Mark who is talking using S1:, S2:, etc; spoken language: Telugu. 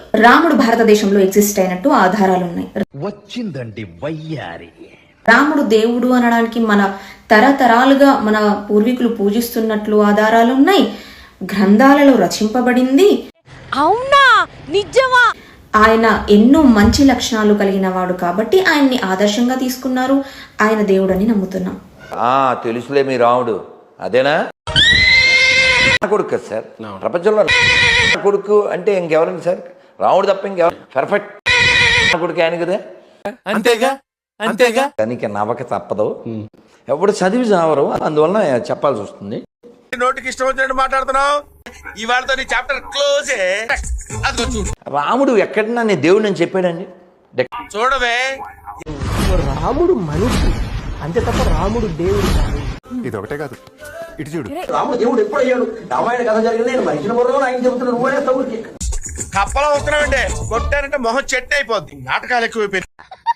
S1: రాముడు భారతదేశంలో ఎగ్జిస్ట్ అయినట్టు ఆధారాలు ఉన్నాయి.
S2: వచ్చిందండి వయ్యారి.
S1: రాముడు దేవుడు అనడానికి మన తరతరాలుగా మన పూర్వీకులు పూజిస్తున్నట్లు ఆధారాలు ఉన్నాయి. గ్రంథాలలో రచింపబడింది.
S3: అవునా, నిజమా?
S1: ఆయన ఎన్నో మంచి లక్షణాలు కలిగిన వాడు కాబట్టి ఆయన్ని ఆదర్శంగా తీసుకున్నారు. ఆయన దేవుడని నమ్ముతున్నాం.
S4: తెలుసులే మీ రాముడు అదేనా కొడుకు కదా సార్. ప్రపంచంలో కొడుకు అంటే ఇంకెవరండి సార్? రాముడు తప్ప ఇంకెవరు పర్ఫెక్ట్ కొడుకు ఆయన కదా.
S2: అంతేగా అంతేగా.
S4: దానికి నవ్వక తప్పదు. ఎప్పుడు చదివి చావరు, అందువలన చెప్పాల్సి వస్తుంది.
S2: నోటికి ఇష్టం వచ్చినట్టు మాట్లాడుతున్నావు. ఇవాళతో నీ చాప్టర్ క్లోజ్.
S4: రాముడు ఎక్కడన్నా నేను దేవుడు అని చెప్పాడండి?
S2: చూడవే,
S5: రాముడు మనిషి అంతే తప్ప రాముడు దేవుడు కాదు.
S6: ఇది ఒకటే కాదు, ఇటు చూడు.
S5: రాముడు దేవుడు ఎప్పుడు అయ్యాడు? రామాయణ కథ జరిగింది. నేను మనిషిని బుర్రలో ఆయన చెబుతున్నాను, నువ్వే
S2: కప్పలా వస్తున్నావంటే కొట్టారంటే మొహం చెట్టు అయిపోద్ది. నాటకాలు ఎక్కువైపోయింది.